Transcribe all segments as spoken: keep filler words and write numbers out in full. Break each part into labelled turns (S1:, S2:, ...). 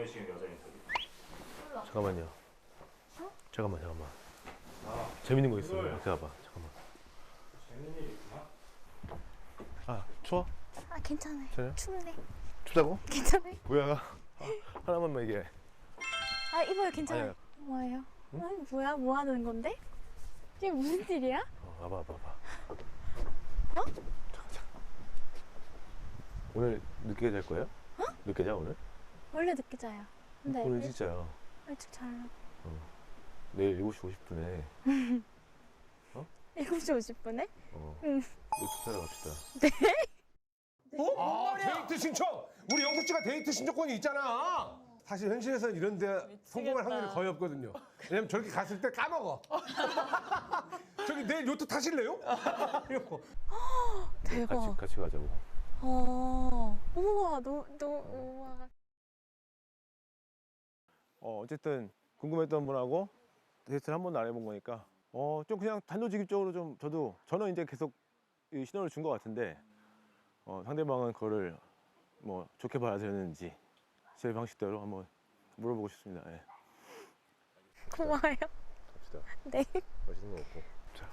S1: 보내시는 여자 인터뷰.
S2: 잠깐만요.
S3: 어?
S2: 잠깐만 잠깐만.
S1: 아,
S2: 재밌는 거 있어요.
S1: 그걸-
S2: 기다려봐. 잠깐만.
S1: 재밌는 일이 있구나.
S2: 아 추워?
S3: 아 괜찮아요.
S2: 괜찮아요?
S3: 춥네.
S2: 춥다고?
S3: 괜찮아요.
S2: 뭐야? 아, 하나만만 얘기해.
S3: 아 이봐요 괜찮아요.
S2: 아니야.
S3: 뭐예요?
S2: 응?
S3: 아니, 뭐야? 뭐 하는 건데? 이게 무슨 일이야?
S2: 어, 와봐 와봐 와봐.
S3: 어?
S2: 잠깐 잠깐. 오늘 늦게 잘 거예요?
S3: 어?
S2: 늦게 자 오늘?
S3: 원래 늦게 자요. 근데
S2: 오늘
S3: 일-
S2: 진짜요.
S3: 일찍 자요.
S2: 내일 일곱 시 오십 분에
S3: 일곱 시 오십 분에?
S2: 어.
S3: 응.
S2: 노트 사러 갑시다.
S4: 어? 아, 데이트 신청! 우리 영수 씨가 데이트 신청권이 있잖아. 사실 현실에서는 이런 데 성공할 확률이 거의 없거든요. 왜냐면 저렇게 갔을 때 까먹어. 저기 내일 요트 타실래요? 이러고.
S3: 대박.
S2: 같이 같이 가자고.
S3: 어. 우와, 너, 너, 우와.
S2: 어 어쨌든 궁금했던 분하고 데이트를 한 번도 안 해본 거니까 어 좀 그냥 단도직입적으로 좀 저도 저는 이제 계속 이 신호를 준 것 같은데 어 상대방은 그거를 뭐 좋게 받아들였는지 제 방식대로 한번 물어보고 싶습니다. 예.
S3: 고마워요.
S2: 갑시다.
S3: 네.
S2: 맛있는 거 먹고. 자.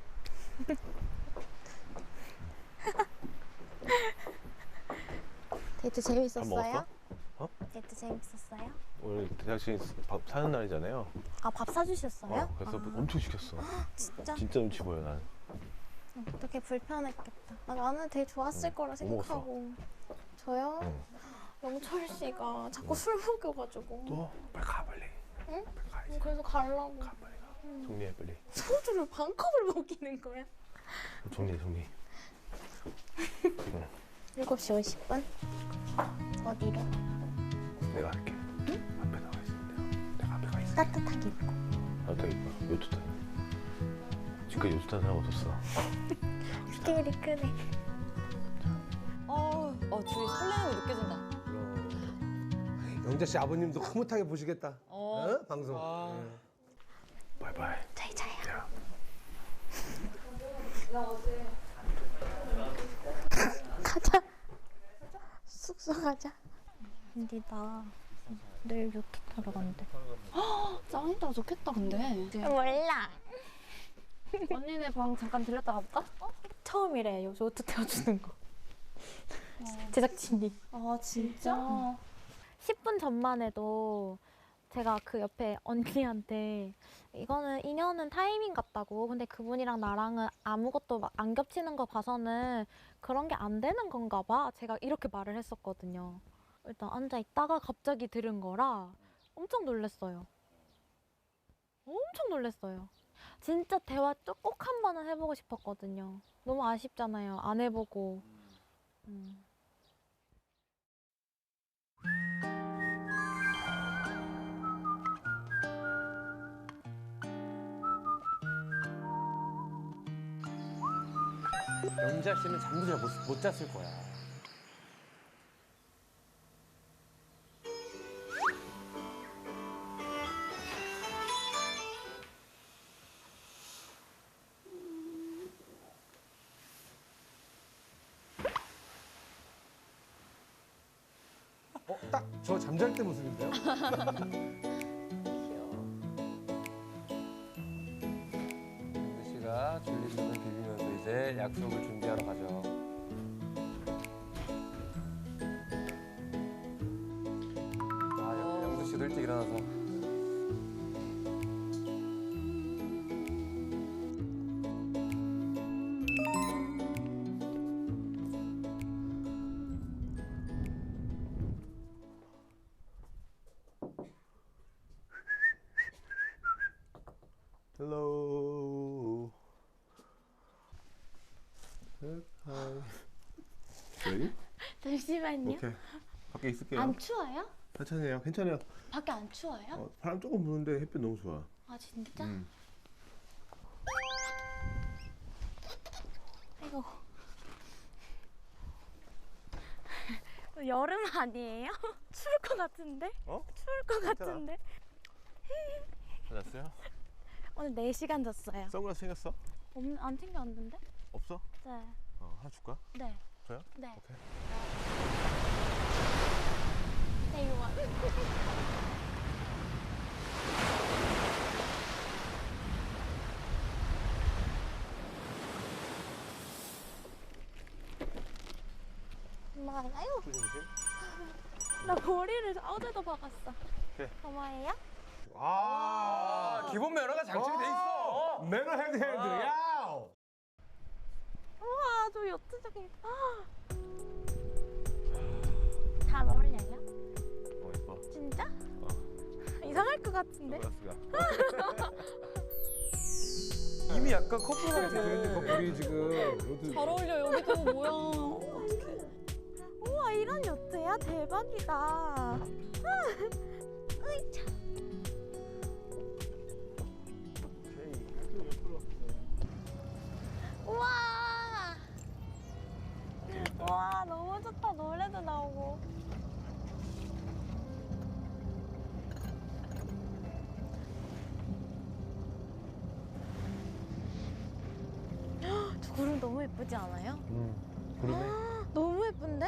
S3: 데이트
S2: 밥
S3: 재밌었어요?
S2: 먹었어? 어?
S3: 데이트 재밌었어요?
S2: 오늘 대학생 밥 사는 날이잖아요.
S3: 아, 밥 사주셨어요?
S2: 어, 그래서
S3: 아,
S2: 엄청 시켰어.
S3: 진짜?
S2: 진짜 눈치 보여 난.
S3: 어떻게 불편했겠다. 아, 나는 되게 좋았을
S2: 응.
S3: 거라
S2: 뭐 먹었어?
S3: 생각하고. 저요?
S2: 응.
S3: 영철 씨가 자꾸
S2: 응.
S3: 술 먹여가지고.
S2: 또 빨리 가 빨리.
S3: 응?
S2: 빨리 가야지.
S3: 그래서 가려고.
S2: 가 빨리 가.
S3: 응.
S2: 정리해 빨리.
S3: 소주를 반 컵을 먹이는 거야.
S2: 정리 정리.
S3: 일곱 시 오십 분? 어디로?
S2: 내가 할게. 응? 앞에 나가 있으면 돼요. 내가 앞에 가 있을게.
S3: 따뜻하게 입고.
S2: 나도 이거 요트 타. 지금까지 요트 탄 사람 없었어.
S3: 스케일이 크네.
S5: 어, 어 둘이 설레는 거 느껴진다.
S4: 영자 씨 아버님도 흐뭇하게 보시겠다.
S5: 어.
S4: 어? 방송.
S5: 와.
S4: 예.
S2: 바이바이.
S3: 저희 자요.
S2: 야.
S3: 가자. 숙소 가자. 근데 나 내일 요트 타러 간대.
S5: 짱이다 좋겠다 근데.
S3: 몰라.
S5: 언니네 방 잠깐 들렸다 가볼까?
S3: 처음이래 요 요트 태워주는 거. 제작진이.
S5: 아 진짜?
S3: 십 분 전만 해도 제가 그 옆에 언니한테 이거는 인연은 타이밍 같다고. 근데 그분이랑 나랑은 아무것도 막 안 겹치는 거 봐서는 그런 게 안 되는 건가 봐. 제가 이렇게 말을 했었거든요. 일단 앉아 있다가 갑자기 들은 거라 엄청 놀랐어요. 엄청 놀랐어요. 진짜 대화 꼭 한 번은 해보고 싶었거든요. 너무 아쉽잖아요. 안 해보고. 음.
S4: 영자 씨는 잠도 잘 못 못 잤을 거야. 어, 딱 저 잠잘 때 모습인데요? 영자 씨가 줄리스를 비비면서 이제 약속을 준비하러 가죠. 아, 영- 영수 씨도 일찍 일어나서.
S2: Hello. Hi. Ready?
S3: 잠시만요.
S2: 오케이. 밖에 있을게요.
S3: 안 추워요?
S2: 괜찮아요. 괜찮아요.
S3: 밖에 안 추워요?
S2: 어, 바람 조금 부는데 햇빛 너무 좋아.
S3: 아 진짜?
S2: 음.
S3: 아이고. 여름 아니에요? 추울 것 같은데?
S2: 어?
S3: 추울 것
S2: 괜찮아.
S3: 같은데?
S2: 찾았어요?
S3: 오늘 네 시간 잤어요.
S2: 선글라스 챙겼어?
S3: 없, 안 챙겨왔는데?
S2: 없어?
S3: 네.
S2: 어, 하나 줄까?
S3: 네.
S2: 줘요?
S3: 네.
S2: 오케이.
S3: 이거 뭐예요? 나 머리를 어제도 박았어.
S2: 그래.
S3: 고마워요?
S4: 아,
S6: 기본 매너가 장착이 돼 있어.
S4: 매너 핸드 핸드. 야.
S3: 우와, 저 요트적인. 잘 어울려요?
S2: 어 예뻐.
S3: 진짜? 이상할 것 같은데?
S2: 선글라스가.
S6: 이미 약간 커플 같아.
S4: 저희는 커플이 지금 요트
S5: 잘 어울려 여기도 뭐야. 어떡해.
S3: 우와, 이런 요트야? 대박이다. 으이, 참. 우와. 와, 너무 좋다. 노래도 나오고. 헉, 저 구름 너무 예쁘지 않아요?
S2: 음. 구름에
S3: 너무 예쁜데?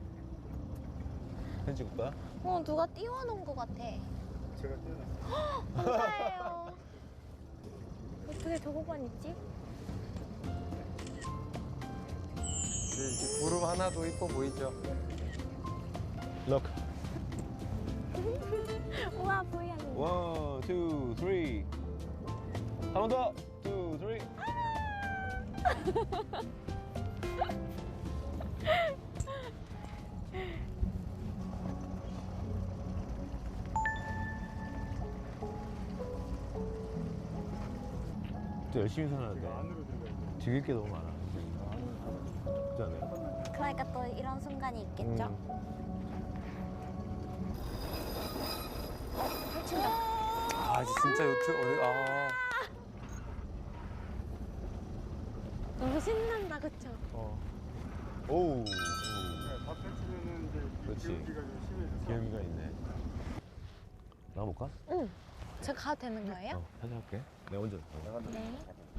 S2: 사진 찍을 거야?
S3: 어, 누가 띄워놓은 것 같아.
S1: 제가 떼어놨어요.
S3: 감사해요. 어떻게 저거만 있지?
S6: 구름 하나도 이뻐 보이죠?
S2: 럭.
S3: 우와, 보이야.
S2: 원, 투, 쓰리. 한 번 더. 투, 쓰리. 또 열심히 살았는데
S1: 안으로 들어가야 돼.
S2: 즐길 게 너무 많아. 그렇지 않아요?
S3: 그러니까 또 이런 순간이 있겠죠?
S2: 음.
S3: 펼친다.
S6: 아 진짜 요트 어디 아
S3: 너무 신난다, 그쵸?
S2: 어. 오우.
S1: 네, 밥 펼치면은 이제
S2: 그렇지.
S1: 기울기가 좀 심해져서.
S2: 기름이가 있네. 나가볼까?
S3: 응. 저 가도 되는 거예요?
S2: 어, 사진 할게. 내가 먼저. 어.
S3: 네.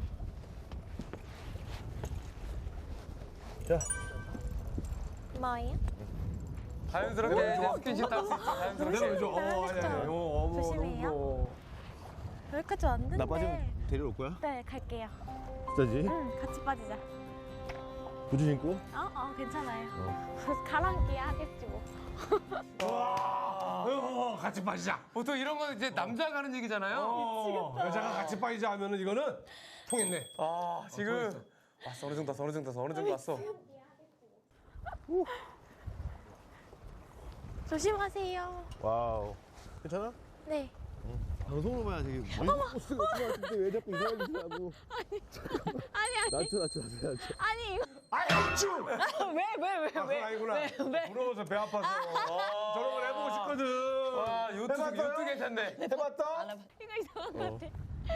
S2: 자.
S3: 뭐예요?
S6: 자연스럽게 이제 스킨십 탈 수 있어. 자연스럽게.
S4: 내가 어, 아니 아니. 어, 어머,
S3: 조심해요.
S4: 너무
S3: 여기까지 왔는데.
S2: 나 빠지면 데려올 거야?
S3: 네, 갈게요.
S2: 진짜지?
S3: 응, 같이 빠지자.
S2: 부츠 신고?
S3: 어, 어, 괜찮아요.
S2: 어.
S3: 가랑끼 하겠지 뭐.
S4: 와. 어, 같이 빠지자.
S6: 보통 이런 건 이제 남자가 하는 얘기잖아요.
S4: 어, 여자가 같이 빠지자 하면은 이거는 통했네.
S6: 아 지금 왔어 어느 정도 왔어 어느 정도 왔어 어느 정도 왔어.
S3: 조심하세요.
S2: 와우. 괜찮아?
S3: 네.
S2: 방송으로 봐야 되게 멋있는 포스가 같은데왜 자꾸 이상하게 쓰냐고.
S3: 아니, 아니.
S2: 낮춰, 낮춰, 낮춰, 낮춰.
S3: 아니, 이거.
S4: 아이, 쭈!
S5: 왜 왜 왜
S4: 아, 그건 아니구나. 부러워서 배 아파서. 저런 걸 해보고 싶거든.
S6: 와 요트
S4: 해봤어요?
S6: 요트 괜찮네.
S4: 해봤다?
S3: 이거 이상한 것 같아.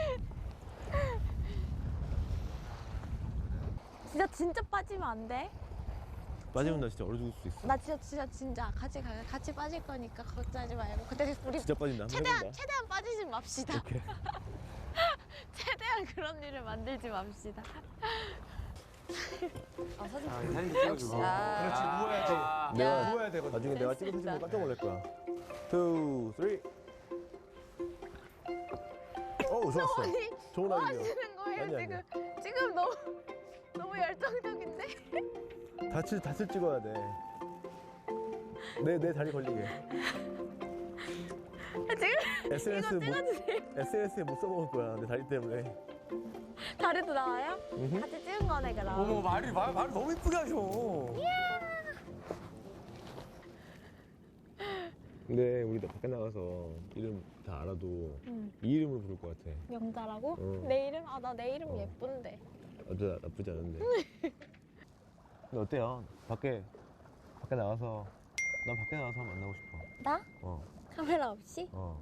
S3: 진짜, 진짜 빠지면 안 돼?
S2: 빠지면 나 진짜 얼어 죽을 수도 있어.
S3: 나 진짜, 진짜, 진짜 같이 가, 같이 빠질 거니까 걱정하지 말고. 근데 우리
S2: 진짜 빠진다. 한번
S3: 최대한,
S2: 해본다.
S3: 최대한 빠지지 맙시다.
S2: 오케이.
S3: 최대한 그런 일을 만들지 맙시다.
S5: 아 사진
S6: 아, 사진 찍어주고.
S4: 그렇지, 누워야지.
S2: 내가
S4: 누워야 되거든.
S2: 나중에 내가 찍은 사진 보고 깜짝 놀랄 거야. 투, 쓰리. 어우, 좋았어.
S3: 아니,
S2: 좋은
S3: 뭐
S2: 아이디어.
S3: 하시는 거예요,
S2: 아니,
S3: 지금? 지금 너무, 너무 열정적인데?
S2: 다칠, 다칠 찍어야 돼. 내, 내 다리 걸리게.
S3: 지금
S2: 에스엔에스
S3: 이거
S2: 못,
S3: 찍어주세요.
S2: 에스엔에스에 못 써먹을 거야. 내 다리 때문에.
S3: 다리도 나와요?
S2: 음흠.
S3: 같이 찍은 거네, 그럼.
S6: 어머 말이 말, 말 너무 이쁘게 하셔.
S2: 근데 우리 나 밖에 나가서 이름 다 알아도
S3: 응.
S2: 이 이름으로 부를 것 같아.
S3: 영자라고?
S2: 응.
S3: 내 이름? 아, 나 내 이름
S2: 어.
S3: 예쁜데.
S2: 어쩌 나쁘지 않은데. 근데 어때요? 밖에 밖에 나가서 난 밖에 나가서 한번 만나고 싶어.
S3: 나?
S2: 어,
S3: 카메라 없이?
S2: 어.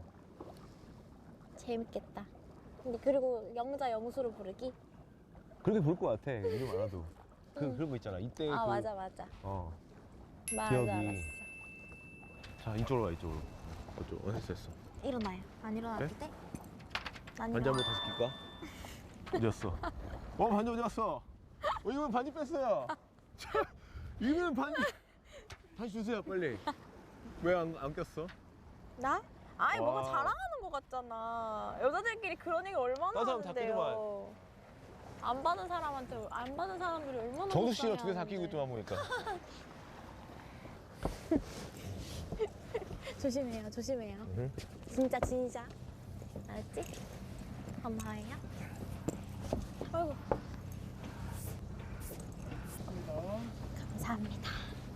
S3: 재밌겠다. 근데 그리고 영자 영수로 부르기?
S2: 그렇게 부를 것 같아. 이름 알아도. 그 그런 거 있잖아. 이때
S3: 아,
S2: 그,
S3: 맞아, 맞아.
S2: 어.
S3: 맞아,
S2: 기억이.
S3: 알았어.
S2: 자 이쪽으로 와 이쪽으로. 어쪽 어 했어 했어.
S3: 일어나요. 안 일어나도
S2: 네?
S3: 돼? 난
S2: 반지
S3: 일어나.
S2: 한번 다시 낄까? 어디 갔어? 어 반지 어디 갔어? 어 이거는 반지 뺐어요. 이거는 반지 다시 주세요 빨리. 왜 안 안 꼈어?
S3: 나? 아니 뭔가
S2: 와.
S3: 자랑하는 것 같잖아. 여자들끼리 그런 얘기 얼마나
S2: 다른 사람 다
S3: 하는데요. 안 받은 사람한테 안 받은 사람들이 얼마나
S2: 정수 씨가
S3: 속상해
S2: 두 개 다
S3: 하는데.
S2: 끼고 있더만 보니까.
S3: 조심해요, 조심해요.
S2: 응.
S3: 진짜 진짜. 알았지? 고마워요. 아이고. 감사합니다.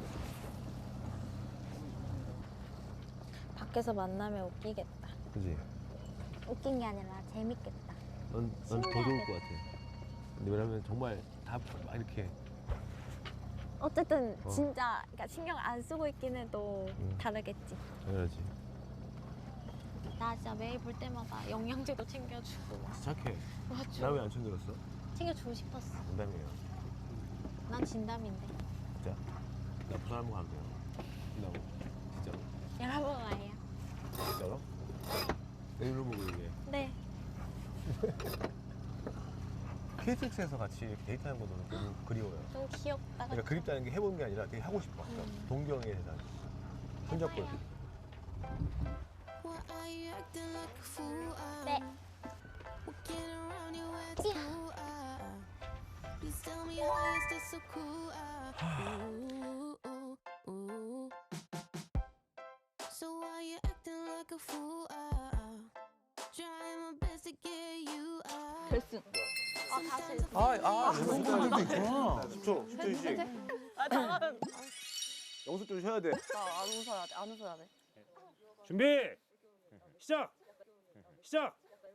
S3: 밖에서 만나면 웃기겠다.
S2: 그지?
S3: 웃긴 게 아니라 재밌겠다.
S2: 넌 넌 더 좋을 것 같아. 근데 왜냐면 정말 다 막 이렇게
S3: 어쨌든
S2: 어.
S3: 진짜 그러니까 신경 안 쓰고 있긴 해도
S2: 응.
S3: 다르겠지.
S2: 당연하지.
S3: 나 진짜 매일 볼 때마다 영양제도 챙겨주고 막
S2: 착해.
S3: 맞죠?
S2: 나 왜 안 챙겨줬어?
S3: 챙겨주고 싶었어.
S2: 농담이에요.
S3: 난 진담인데.
S2: 진짜. 나 부산 한번 가면 돼요. 진다고. 진짜로.
S3: 여러분 와요.
S2: 진짜로? 내 이름 보고 얘기해.
S3: 네.
S2: 케이티엑스에서 같이 이렇게 데이트하는 거 너무 너무 그리워요.
S3: 너무 귀엽다.
S2: 그러니까
S3: 그치?
S2: 그립다는 게 해본 게 아니라 되게 하고 싶어. 그러니까
S3: 음.
S2: 동경의 세상. 손잡고 이렇게.
S3: 네.
S5: 결승.
S3: 아 다시.
S6: 아, 아,
S2: 그런 사람들도 있구나. 십 초, 십 초 휴식.
S5: 아, 잠깐만.
S2: 영수 좀 쉬어야 돼.
S5: 나안 웃어야 돼. 안 웃어야 돼.
S7: 준비 시작 시작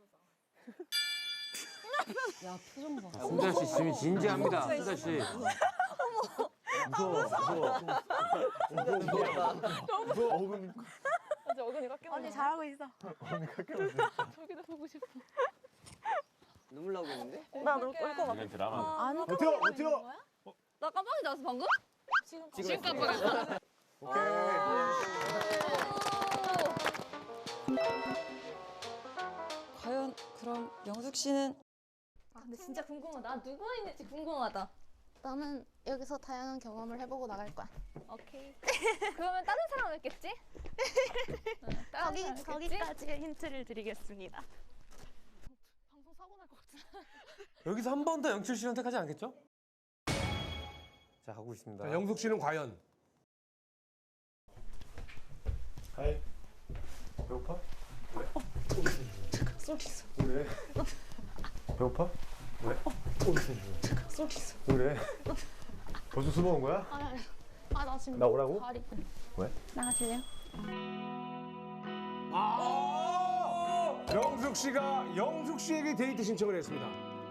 S5: 야, 표정 봐.
S6: 순자 씨 지금 진지합니다. 순자 씨.
S2: 무서워, 무서워. 무서워, 무서워. 무서워. 어금.
S5: 이제 어근이 깎여.
S3: 언니 잘하고 있어.
S5: 저기도 보고 싶어.
S8: 눈물 나오겠는데?
S5: 나울것 같아.
S2: 이건 드라마.
S3: 안
S2: 버텨, 버텨.
S5: 나 깜빡이 나왔어 방금?
S3: 지금
S5: 지금 깜빡이.
S2: 오케이.
S9: 과연 그럼 영숙 씨는
S5: 아, 근데 진짜 궁금하다. 누구가 있는지 궁금하다.
S10: 나는 여기서 다양한 경험을 해보고 나갈 거야.
S5: 오케이. 그러면 다른 사람은 있겠지? 응, 다른
S10: 거기
S5: 사람 있겠지?
S10: 거기까지 힌트를 드리겠습니다.
S5: 방송 사고 날 것 같아.
S6: 여기서 한 번 더 영철 씨 선택하지 않겠죠? 자, 가고 있습니다.
S4: 자, 영숙 씨는 과연?
S2: 하이. 배고파? 왜?
S5: 쏠 있어.
S2: 왜? 배고파? 왜?
S5: 쏠 있어.
S2: 왜? 벌써 술 먹은 거야?
S10: 아 나 지금
S2: 나 오라고?
S10: 다리.
S2: 왜?
S10: 나가실래요?
S4: 아! 영숙 씨가 영숙 씨에게 데이트 신청을 했습니다.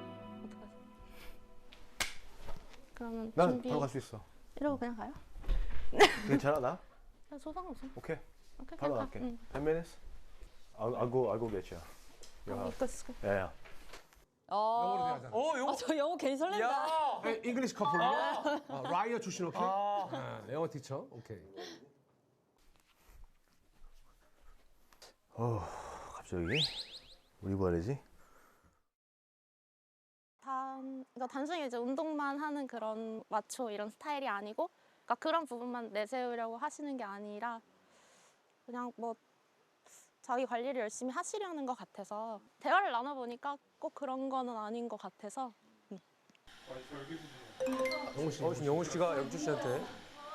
S10: 그러면
S2: 난
S10: 준비.
S2: 바로 갈 수 있어.
S10: 이러고 그냥 가요?
S2: 괜찮아 나?
S10: 나 소상없어.
S2: 오케이.
S10: 오케이
S2: 바로
S10: 그냥
S2: 갈게.
S10: 가. 응.
S2: ten minutes? I'll, I'll go, I'll go get you.
S10: 아, 이거 쓰고.
S2: 야, 야.
S4: 영어로
S9: 어,
S4: 대하잖아.
S6: 어, 이거.
S9: 아, 저 영어 괜히 설렌다.
S6: 야.
S4: 네, 잉글리시 커플로. 어, 라이어 출신 오케이.
S6: 아.
S4: 아, 영어 티처 오케이.
S2: 어, 갑자기? 우리 뭐 해야지?
S10: 단, 그러니까 단순히 이제 운동만 하는 그런 마초 이런 스타일이 아니고, 그러니까 그런 부분만 내세우려고 하시는 게 아니라 그냥 뭐 자기 관리를 열심히 하시려는 것 같아서 대화를 나눠보니까 꼭 그런 거는 아닌 것 같아서.
S4: 영호 씨.
S6: 어, 지금 영호 씨가 영철 씨한테.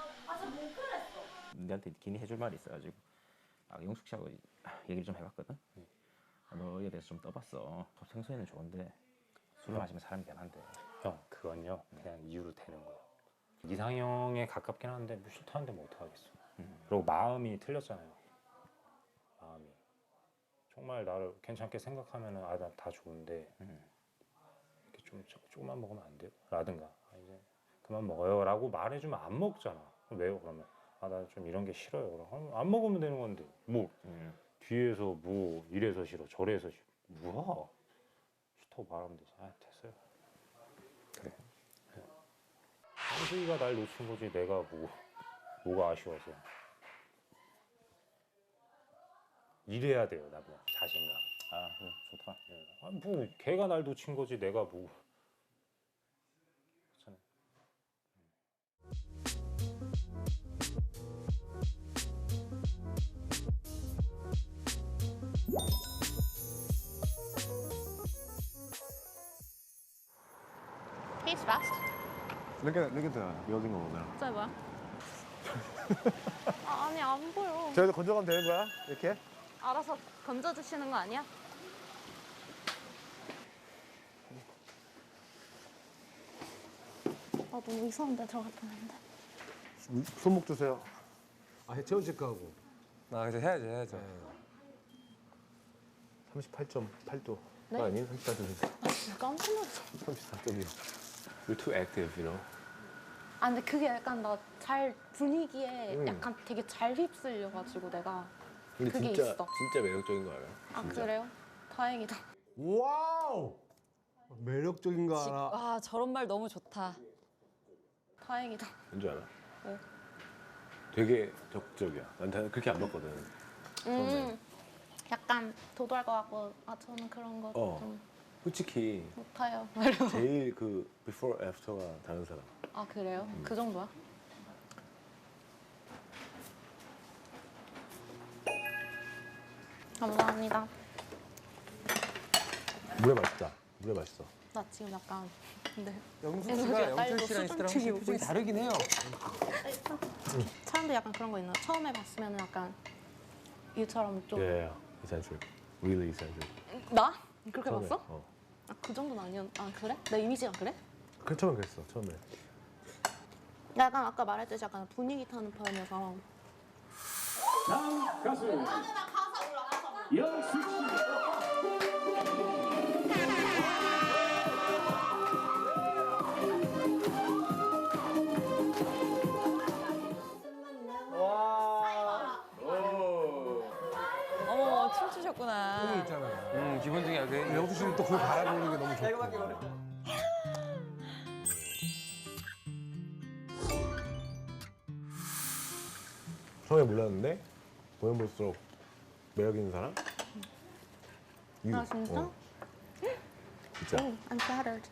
S11: 너한테 괜히 해줄 말이 있어가지고 아, 영숙 씨하고 얘기를 좀 해봤거든. 아, 너에 대해서 좀 떠봤어. 평소에는 좋은데 술을 마시면 사람이 변한대.
S7: 형 그건요 그냥 이유로 되는 거예요. 이상형에 가깝긴 한데 뭐 싫다는데 뭐 어떡하겠어.
S11: 음.
S7: 그리고 마음이 틀렸잖아요. 마음이 정말 나를 괜찮게 생각하면은 아 나 다 좋은데
S11: 음.
S7: 이렇게 좀 조- 조금만 먹으면 안 돼요? 라든가 아, 이제 그만 먹어요라고 말해주면 안 먹잖아. 그럼 왜요? 그러면 아 나 좀 이런 게 싫어요. 그럼 안 먹으면 되는 건데 뭐
S11: 음.
S7: 뒤에서 뭐 이래서 싫어 저래서 싫어 뭐야? 싫다고 말하면 되지. 아 됐어요.
S11: 그래.
S7: 한수이가 날 놓친 거지 내가 뭐 뭐가 아쉬워서 이래야 돼요 나보다 자신감.
S11: 아 그래 좋다.
S7: 예. 아, 뭐 걔가 날 놓친 거지 내가 뭐 그렇잖아요.
S10: He's fast.
S2: Look at look at the building over there.
S10: 저 뭐야? 아, 아니 안 보여.
S2: 저기서 건져가면 되는 거야? 이렇게?
S10: 알아서 건져주시는 거 아니야? 아 너무 이상한데 들어갔다 왔는데.
S2: 손목 주세요.
S4: 아, 체온 체크하고.
S6: 아 이제 해야지 해야죠.
S2: 삼십팔 점 팔 도.
S10: 네?
S2: 아니 삼십사 점
S10: 아 진짜 깜짝 놀랐어.
S2: 삼십사 점이요. You're too active, you know.
S10: 아 근데 그게 약간 나 잘 분위기에
S2: 음.
S10: 약간 되게 잘 휩쓸려가지고 내가
S2: 근데
S10: 그게
S2: 진짜
S10: 있어.
S2: 진짜 매력적인 거 알아요?
S10: 아
S2: 진짜.
S10: 그래요? 다행이다.
S4: 와우! 매력적인 거
S9: 지-
S4: 알아.
S9: 아 저런 말 너무 좋다.
S10: 다행이다.
S2: 뭔지 알아?
S10: 네.
S2: 되게 적극적이야. 난 다- 그렇게 안 봤거든. 처음에.
S10: 음, 약간 도도할 것 같고 아 저는 그런 거 좀
S2: 어. 솔직히
S10: 못해요.
S2: 제일 그 before after가 다른 사람.
S10: 아 그래요?
S2: 음.
S10: 그 정도야? 감사합니다.
S2: 물에 맛있다. 물에 맛있어.
S10: 나 지금 약간 근데
S6: 영숙
S10: 에너지가
S6: 씨가 영철
S10: 딸리고
S6: 씨랑 있을 때랑
S10: 수준
S6: 확실히 표정이 다르긴 해요.
S10: 사람들 약간 그런 거 있나? 처음에 봤으면 약간 유처럼 좀
S2: Yeah, eccentric. Really eccentric.
S10: 나? 그렇게
S2: 처음에,
S10: 봤어?
S2: 어.
S10: 아, 그 정도는 아니었. 아 그래? 내 이미지가 그래?
S2: 그 처음에 그랬어. 처음에.
S10: 나 약간 아까 말했듯이 약간 분위기 타는 편이어서.
S12: 다음 가수 영숙 씨.
S9: 어머 춤추셨구나.
S4: 형이 있잖아요.
S6: 음 기본적인 약간
S4: 영수 씨는 또 그걸 바라보는 게 너무 좋고.
S2: 처음에 몰랐는데 보면 볼수록 매력 있는 사람? You.
S10: 아 진짜?
S2: 어, 진짜.
S10: 오, I'm flattered.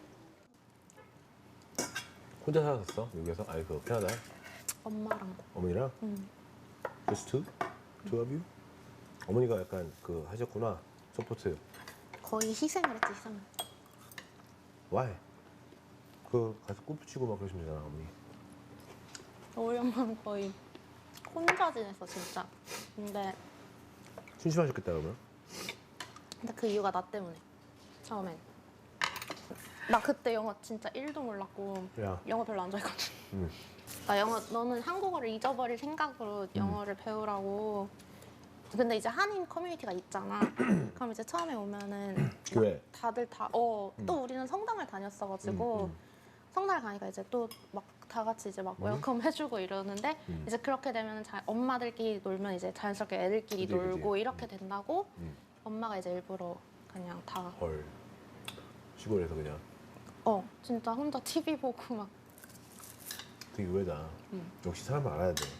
S2: 혼자 살았었어? 미국에서? 아니 그 캐나다?
S10: 엄마랑.
S2: 어머니랑?
S10: 응.
S2: Just two? Two of you? 어머니가 약간 그 하셨구나. 서포트.
S10: 거의 희생을 했지 희생.
S2: Why? 그 가서 골프 치고 막 그러시면 되잖아 어머니.
S10: 우리 엄마는 거의 혼자 지냈어 진짜. 근데
S2: 심심하셨겠다 그러면?
S10: 근데 그 이유가 나 때문에. 처음엔. 나 그때 영어 진짜 일도 몰랐고
S2: 야.
S10: 영어 별로 안 좋아했거든.
S2: 응.
S10: 나 영어 너는 한국어를 잊어버릴 생각으로 영어를 배우라고. 근데 이제 한인 커뮤니티가 있잖아. 그럼 이제 처음에 오면은
S2: 교회.
S10: 다들 다 어 또 우리는 성당을 다녔어가지고
S2: 음, 음.
S10: 성당을 가니까 이제 또 막 다 같이 이제 막
S2: 음.
S10: 웰컴 해주고 이러는데
S2: 음.
S10: 이제 그렇게 되면 자, 엄마들끼리 놀면 이제 자연스럽게 애들끼리
S2: 그지, 그지.
S10: 놀고 이렇게 된다고
S2: 음.
S10: 엄마가 이제 일부러 그냥 다
S2: 헐. 시골에서 그냥
S10: 어 진짜 혼자 티비 보고 막
S2: 되게 의외다.
S10: 음.
S2: 역시 사람을 알아야 돼.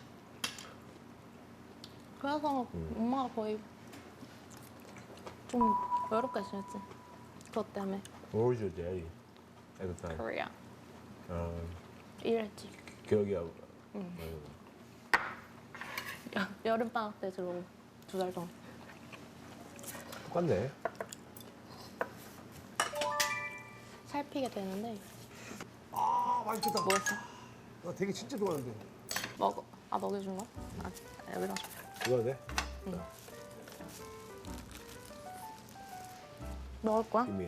S10: 그래서
S2: 음.
S10: 엄마가 거의 좀 외롭게 지냈지. 그것 때문에
S2: Where was your daddy at the time?
S10: 코리아
S2: 어,
S10: 일했지.
S2: 기억이 안.
S10: 응.
S2: 어,
S10: 여, 여름방학 때 들어오고 두 달 동안.
S2: 똑같네.
S10: 살피게 되는데
S4: 아, 맛있겠다.
S10: 뭐였어?
S4: 나 되게 진짜 좋아하는데.
S10: 먹어. 아 먹여준 거? 아 여기다 줘.
S2: 이거 돼?
S10: 응. 먹을 거야?
S2: 이미.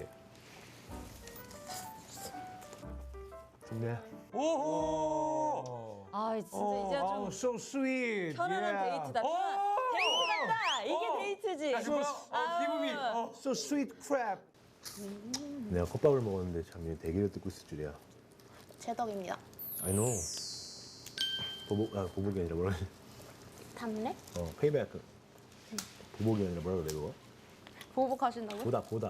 S2: 좋네.
S4: 오호.
S9: 아 진짜
S4: 어,
S9: 이제
S4: 아우,
S9: 좀
S4: so sweet.
S9: 편안한
S4: Yeah.
S9: 데이트다.
S4: 오!
S9: 데이트 같다. 이게
S4: 어.
S9: 데이트지.
S4: 야, 이거
S9: 아우.
S4: 기분이 어. So sweet crab.
S2: 내가 컵밥을 먹었는데 참 대기를 뜯고 있을 줄이야.
S10: 제 덕입니다.
S2: I know. 보복, 아 보복이 아니라 뭐라 그래?
S10: 담래?
S2: 어, 페이백. 보복이 아니라 뭐라 그래 그거?
S10: 보복하신다고요?
S2: 보다 보다.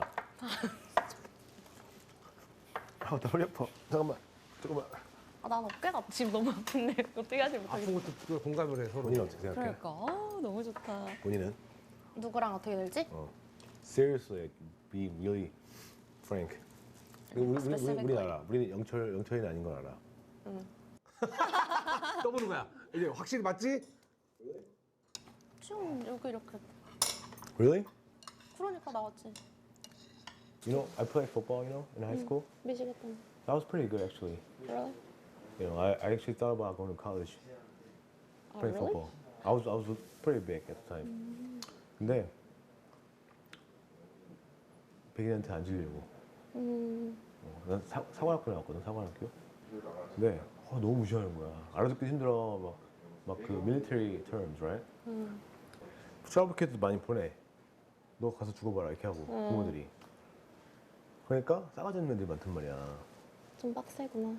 S2: 아, 나 허리 아파. 잠깐만. 잠깐만.
S10: 아, 난 어깨가 지금 너무 아픈데 어떻게 하지 못하겠어.
S4: 아픈 것도 그걸 공감을 해 서로.
S2: 본인 어떻게 생각해?
S9: 그러니까 아, 너무 좋다.
S2: 본인은?
S10: 누구랑 어떻게 될지?
S2: 어. Seriously, be really frank. 우리 우리 우리, 우리
S10: Specifically.
S2: 알아. 우리는 영철 영철이는 아닌 걸 알아.
S10: 응.
S4: 떠보는 거야. 이제 확실히 맞지?
S10: 지금 여기 이렇게
S2: Really?
S10: 그러니까 나왔지.
S2: You know, I played football, you know, in high school.
S10: 미치겠다.
S2: That was pretty good actually.
S10: Really?
S2: You know, I, I actually thought about going to college,
S10: Oh,
S2: playing
S10: really?
S2: football. I was I was pretty big at the time. 근데 백인한테 안 질려고.
S10: 음.
S2: 어, 난 사, 사관학교 나왔거든, 사관학교. 근데 어, 너무 무시하는 거야. 알아듣기 힘들어. 막 막 그 military terms, right?
S10: 음.
S2: 트러블 많이 보내. 너 가서 죽어봐라 이렇게 하고
S10: 음.
S2: 부모들이. 그러니까 싸가지 없는 애들이 많단 말이야.
S10: 좀 빡세구나.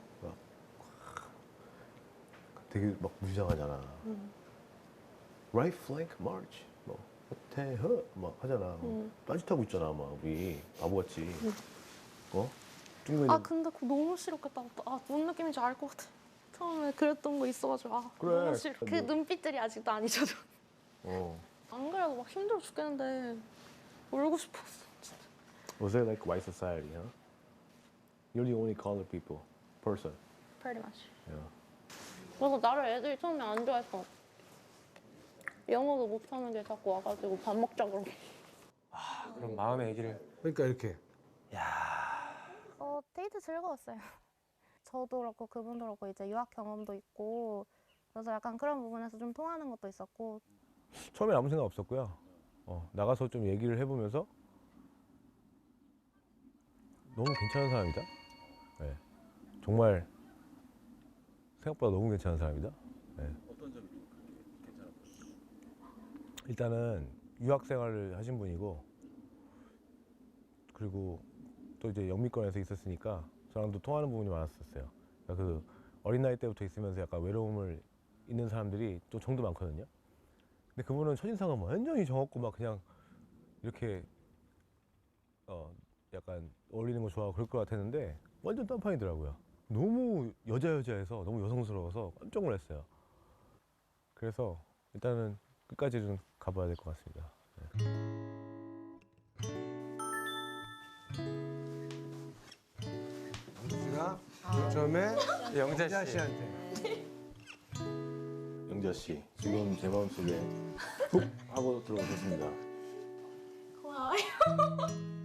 S2: 되게 막 무시당하잖아.
S10: 음.
S2: Right flank march. 뭐 대허 막 하잖아.
S10: 음.
S2: 딴짓하고 있잖아 막 우리 바보같이.
S10: 음.
S2: 어? 중국인
S10: 아 근데 그거 너무 싫었겠다. 아 무슨 느낌인지 알 것 같아. 처음에 그랬던 거 있어가지고 아
S2: 그래.
S10: 너무 싫어. 그
S2: 뭐.
S10: 눈빛들이 아직도 안 잊혀져.
S2: 어.
S10: 안 그래도 막 힘들어 죽겠는데 울고 싶었어. 진짜.
S2: Was it like white society, huh? You're the only colored people, person.
S10: Pretty much.
S2: Yeah.
S10: 그래서 나를 애들이 처음에 안 좋아했어. 영어도 못하는 게 자꾸 와가지고 밥 먹자 그러고.
S6: 그럼 마음의 얘기를.
S4: 그러니까 이렇게.
S10: 어 데이트 즐거웠어요. 저도 그렇고 그분도 그렇고 이제 유학 경험도 있고 그래서 약간 그런 부분에서 좀 통하는 것도 있었고.
S2: 처음에 아무 생각 없었고요. 어, 나가서 좀 얘기를 해보면서 너무 괜찮은 사람이다. 네. 정말 생각보다 너무 괜찮은 사람이다. 네.
S12: 어떤 점이 좀 그렇게 괜찮았어요?
S2: 일단은 유학 생활을 하신 분이고 그리고 또 이제 영미권에서 있었으니까 저랑도 통하는 부분이 많았었어요. 그러니까 그 어린 나이 때부터 있으면서 약간 외로움을 있는 사람들이 또 정도 많거든요. 근데 그분은 첫인상은 완전히 정없고 막 그냥 이렇게 어 약간 어울리는 거 좋아하고 그럴 것 같았는데 완전 딴판이더라고요. 너무 여자 여자해서 너무 여성스러워서 깜짝 놀랐어요. 그래서 일단은 끝까지 좀 가봐야 될 것 같습니다.
S4: 영수가 처음에
S6: 영자 씨.
S4: 씨한테.
S2: 영자 씨, 지금 제 마음속에 훅 하고 들어오셨습니다.
S10: 고마워요.